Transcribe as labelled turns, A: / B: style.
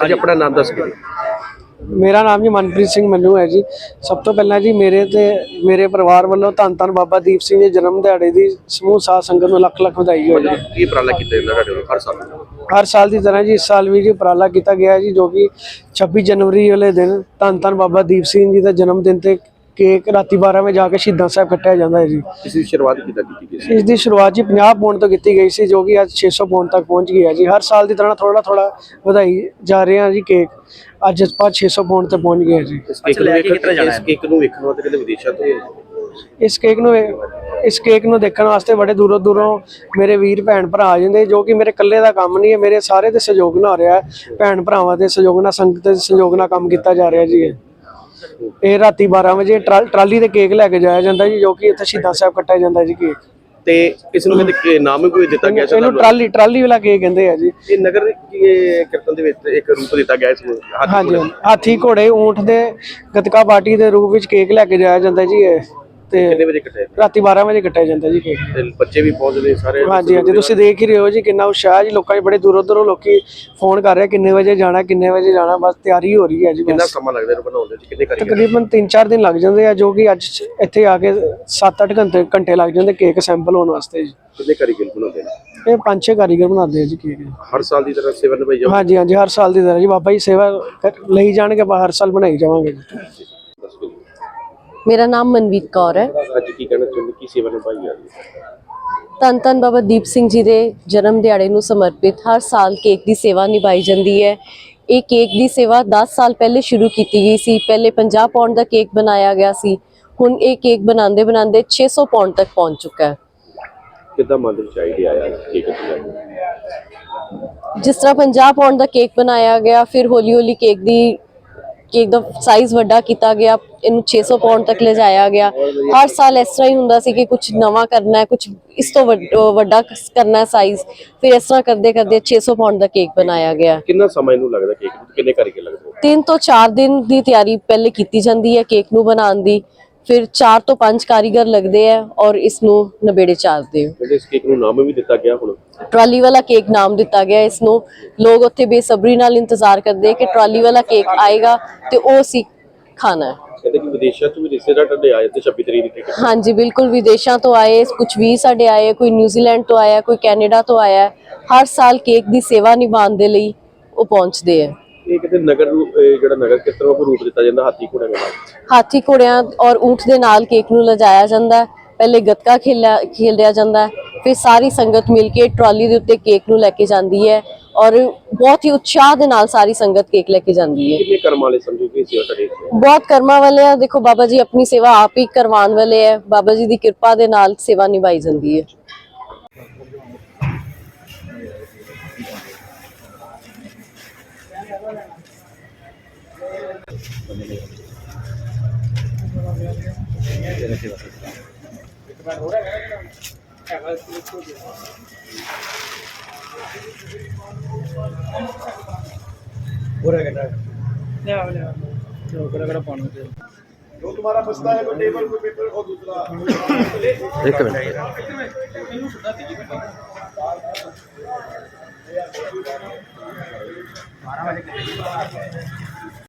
A: जी अपना नाम दस के
B: मेरा नाम जी मनप्रीत सिंह मन्नू है जी। सब तो पहला जी मेरे परिवार वालों धन धन बाबा दीप सिंह जी जन्म दिहाड़े की समूह साध संगत में लख लख बधाई हो जी।
A: की उपराला हर साल
B: हर साल की तरह जी इस साल भी जी उपराला किया गया जी, जो कि 26 जनवरी वाले दिन धन धन बाबा दीप सिंह जी का जन्मदिन ते केक राती 12 वजे जाके शहीदां साहब कट्टिया जाता है जी।
A: इसकी शुरुआत की
B: इसकी शुरुआत जी 50 पौंड तो की गई सी, जो कि अज 600 पौंड तक पहुँच गई है जी। हर साल की तरह थोड़ा थोड़ा बधाई जा रहे हैं जी। केक अज आप 600 पौंड तक पहुँच गए जी। इस केक नूं देखण वास्ते बड़े दूरों दूरों मेरे वीर भैन भरा आ जाते, जो कि मेरे कल्ले का काम नहीं है, मेरे सारे दे सहयोग नाल हो रहा है। भैन भरावां दे सहयोग नाल, संगत दे सहयोग नाल काम किया जा रहा जी। ये राती 12 वजे ट्राली ते केक लैके जाया जाता जी, जो कि इत्थे शहीदां साहब कट्टिया जाता जी केक।
A: ਤੇ ਇਸ ਨੂੰ ਕਹਿੰਦੇ ਨਾਮ ਕੋਈ ਦਿੱਤਾ ਗਿਆ ਸੀ
B: ਇਹਨੂੰ ਟਰਾਲੀ ਵਾਲਾ ਕੇਕ ਕਹਿੰਦੇ ਆ ਜੀ।
A: ਇਹ ਨਗਰ ਕੀਰਤਨ ਦੇ ਵਿੱਚ ਇੱਕ ਰੂਪ ਦਿੱਤਾ ਗਿਆ ਇਸ ਨੂੰ
B: ਹਾਂਜੀ, ਹਾਥੀ ਘੋੜੇ ਊਂਠ ਦੇ ਗਤਕਾ ਪਾਰਟੀ ਦੇ ਰੂਪ ਵਿੱਚ ਕੇਕ ਲੈ ਕੇ ਜਾਇਆ ਜਾਂਦਾ ਜੀ। ਇਹ ਤੇ
A: ਕਿੰਨੇ ਵਜੇ ਕੱਟਿਆ
B: ਰਾਤੀ 12 ਵਜੇ ਕੱਟਿਆ ਜਾਂਦਾ ਜੀ ਕੇਕ।
A: ਤੇ ਬੱਚੇ ਵੀ ਪਹੁੰਚਦੇ ਸਾਰੇ।
B: ਹਾਂਜੀ ਹਾਂਜੀ, ਤੁਸੀਂ ਦੇਖ ਹੀ ਰਹੇ ਹੋ ਜੀ ਕਿੰਨਾ ਉਤਸ਼ਾਹ ਜੀ। ਲੋਕਾਂ 'ਚ ਬੜੇ ਦੂਰੋਂ ਦੂਰੋਂ ਲੋਕੀ ਫੋਨ ਕਰ ਰਹੇ ਕਿੰਨੇ ਵਜੇ ਜਾਣਾ ਕਿੰਨੇ ਵਜੇ ਜਾਣਾ, ਬਸ ਤਿਆਰੀ ਹੋ ਰਹੀ ਹੈ ਜੀ।
A: ਕਿੰਨਾ ਸਮਾਂ ਲੱਗਦਾ ਇਹਨੂੰ ਬਣਾਉਣ ਦੇ ਵਿੱਚ, ਕਿੰਨੇ ਕਾਰੀਗਰ?
B: ਤਕਰੀਬਨ 3-4 ਦਿਨ ਲੱਗ ਜਾਂਦੇ ਆ, ਜੋ ਕਿ ਅੱਜ ਇੱਥੇ ਆ ਕੇ 7-8 ਘੰਟੇ ਲੱਗ ਜਾਂਦੇ ਕੇਕ ਸੈਂਪਲ ਹੋਣ ਵਾਸਤੇ ਜੀ।
A: ਕਿੰਨੇ ਕਾਰੀਗਰ ਬਣਾਉਂਦੇ ਨੇ?
B: ਇਹ 5-6 ਕਾਰੀਗਰ ਬਣਾਉਂਦੇ ਆ ਜੀ ਕੇਕ।
A: ਹਰ ਸਾਲ ਦੀ ਤਰ੍ਹਾਂ ਸੇਵਾ ਨਿਭਾਈ ਜਾਓ?
B: ਹਾਂਜੀ ਹਾਂਜੀ, ਹਰ ਸਾਲ ਦੀ ਤਰ੍ਹਾਂ ਜੀ। ਬਾਬਾ ਜੀ ਸੇਵਾ ਲਈ ਜਾਣਗੇ, ਆਪਾਂ ਹਰ ਸਾਲ ਬਣਾਈ ਜਾਵਾਂਗੇ ਜੀ।
C: मेरा नाम मनवीत कौर है।
A: ਅੱਜ ਕੀ ਕਹਿਣਾ ਚਾਹੁੰਦੇ, ਕੀ ਸੇਵਾ ਨਿਭਾਈ ਜਾ ਰਹੀ ਹੈ?
C: ਧੰਨ ਧੰਨ ਬਾਬਾ ਦੀਪ ਸਿੰਘ ਜੀ ਦੇ ਜਨਮ ਦਿਹਾੜੇ ਨੂੰ ਸਮਰਪਿਤ ਹਰ ਸਾਲ ਕੇਕ ਦੀ ਸੇਵਾ ਨਿਭਾਈ ਜਾਂਦੀ ਹੈ। ਇਹ ਕੇਕ ਦੀ ਸੇਵਾ 10 ਸਾਲ ਪਹਿਲੇ ਸ਼ੁਰੂ ਕੀਤੀ ਗਈ ਸੀ। ਪਹਿਲੇ 50 ਪੌਂਡ ਦਾ ਕੇਕ ਬਣਾਇਆ ਗਿਆ ਸੀ। ਹੁਣ ਇਹ ਕੇਕ ਬਣਾਉਂਦੇ ਬਣਾਉਂਦੇ 600 ਪੌਂਡ ਤੱਕ ਪਹੁੰਚ ਚੁੱਕਾ ਹੈ।
A: ਕਿੱਦਾਂ ਮਨ ਦੇ ਵਿੱਚ ਆਈਡੀਆ ਆਇਆ ਕੇਕ ਬਣਾਉਣ ਦਾ?
C: ਜਿਸ ਤਰ੍ਹਾਂ 50 ਪੌਂਡ ਦਾ ਕੇਕ ਬਣਾਇਆ ਗਿਆ, ਫਿਰ ਹੌਲੀ ਹੌਲੀ ਕੇਕ ਦਾ ਸਾਈਜ਼ ਵੱਡਾ ਕੀਤਾ ਗਿਆ, ਇਹਨੂੰ 600 ਪੌਂਡ ਤੱਕ ਲਿਜਾਇਆ ਗਿਆ। ਹਰ ਸਾਲ ਇਸ ਤਰ੍ਹਾਂ ਹੀ ਹੁੰਦਾ ਸੀ ਕਿ ਕੁਝ ਨਵਾਂ ਕਰਨਾ ਹੈ, ਕੁਝ ਇਸ ਤੋਂ ਵੱਡਾ ਕਰਨਾ ਹੈ ਸਾਈਜ਼। ਫਿਰ ਇਸ ਤਰ੍ਹਾਂ ਕਰਦੇ ਕਰਦੇ 600 ਪੌਂਡ ਦਾ ਕੇਕ ਬਣਾਇਆ ਗਿਆ।
A: ਕਿੰਨਾ ਸਮਾਂ ਇਹਨੂੰ ਲੱਗਦਾ ਕੇਕ ਨੂੰ, ਕਿੰਨੇ ਕਾਰੀਗਰ ਲੱਗਦੇ?
C: 3 ਤੋਂ 4 ਦਿਨ ਦੀ ਤਿਆਰੀ ਪਹਿਲੇ ਕੀਤੀ ਜਾਂਦੀ ਹੈ ਕੇਕ ਨੂੰ ਬਣਾਉਣ ਦੀ, ਫਿਰ 4 ਤੋਂ 5 ਕਾਰੀਗਰ ਲੱਗਦੇ ਆ ਔਰ ਇਸ ਨੂੰ ਨਵੇੜੇ ਚਾੜਦੇ ਹੋ।
A: ਇਸ ਕੇਕ ਨੂੰ ਨਾਮ ਵੀ ਦਿੱਤਾ ਗਿਆ, ਹੁਣ
C: ਟਰਾਲੀ ਵਾਲਾ ਕੇਕ ਨਾਮ ਦਿੱਤਾ ਗਿਆ ਇਸ ਨੂੰ। ਲੋਕ ਉੱਥੇ ਬੇਸਬਰੀ ਨਾਲ ਇੰਤਜ਼ਾਰ ਕਰਦੇ ਕਿ ਟਰਾਲੀ ਵਾਲਾ ਕੇਕ ਆਏਗਾ ਤੇ ਉਹ ਅਸੀਂ ਖਾਣਾ ਹੈ।
A: ਕਹਿੰਦੇ ਕਿ ਵਿਦੇਸ਼ਾਂ ਤੋਂ ਵੀ ਰਿਸ਼ਤੇਦਾਰ ਤੁਹਾਡੇ ਆਏ ਤੇ 26 ਤਰੀਕ ਨੂੰ।
C: ਹਾਂਜੀ ਬਿਲਕੁਲ, ਵਿਦੇਸ਼ਾਂ ਤੋਂ ਆਏ, ਕੁਝ ਵੀ ਸਾਡੇ ਆਏ, ਕੋਈ ਨਿਊਜ਼ੀਲੈਂਡ ਤੋਂ ਆਇਆ, ਕੋਈ ਕੈਨੇਡਾ ਤੋਂ ਆਇਆ। ਹਰ ਸਾਲ ਕੇਕ ਦੀ ਸੇਵਾ ਨਿਭਾਉਣ ਦੇ ਲਈ ਉਹ ਪਹੁੰਚਦੇ ਆ।
A: ਇਹ ਕਿਤੇ ਨਗਰ ਜਿਹੜਾ ਨਗਰ ਕੀਰਤਨ ਉਹ ਰੂਪ ਦਿੱਤਾ ਜਾਂਦਾ ਹਾਥੀ ਘੋੜਿਆਂ ਦੇ ਨਾਲ?
C: ਹਾਥੀ ਘੋੜਿਆਂ ਔਰ ਊਂਠ ਦੇ ਨਾਲ ਕੇਕ ਨੂੰ ਲਿਜਾਇਆ ਜਾਂਦਾ। ਪਹਿਲੇ ਗੱਤਕਾ ਖੇਲਿਆ ਜਾਂਦਾ, ਫਿਰ ਸਾਰੀ ਸੰਗਤ ਮਿਲ ਕੇ ਟਰਾਲੀ ਦੇ ਉੱਤੇ ਕੇਕ ਨੂੰ ਲੈ ਕੇ ਜਾਂਦੀ ਹੈ ਔਰ ਬਹੁਤ ਹੀ ਉਤਸ਼ਾਹ ਦੇ ਨਾਲ ਸਾਰੀ ਸੰਗਤ ਕੇਕ ਲੈ ਕੇ ਜਾਂਦੀ ਹੈ।
A: ਕਿੰਨੇ ਕਰਮ ਵਾਲੇ ਸਮਝੋ ਕਿ ਸੇਵਾ ਤੁਹਾਡੇ?
C: ਬਹੁਤ ਕਰਮਾਂ ਵਾਲੇ ਆ। ਦੇਖੋ ਬਾਬਾ ਜੀ ਆਪਣੀ ਸੇਵਾ ਆਪ ਹੀ ਕਰਵਾਉਣ ਵਾਲੇ ਹੈ। ਬਾਬਾ ਜੀ ਦੀ ਕਿਰਪਾ ਦੇ ਨਾਲ ਸੇਵਾ ਨਿਭਾਈ ਜਾਂਦੀ ਹੈ।
D: जो तुम्हारा बचता है कोई टेबल कोई पेपर और दूसरा
A: एक मिनट
D: बारह बजे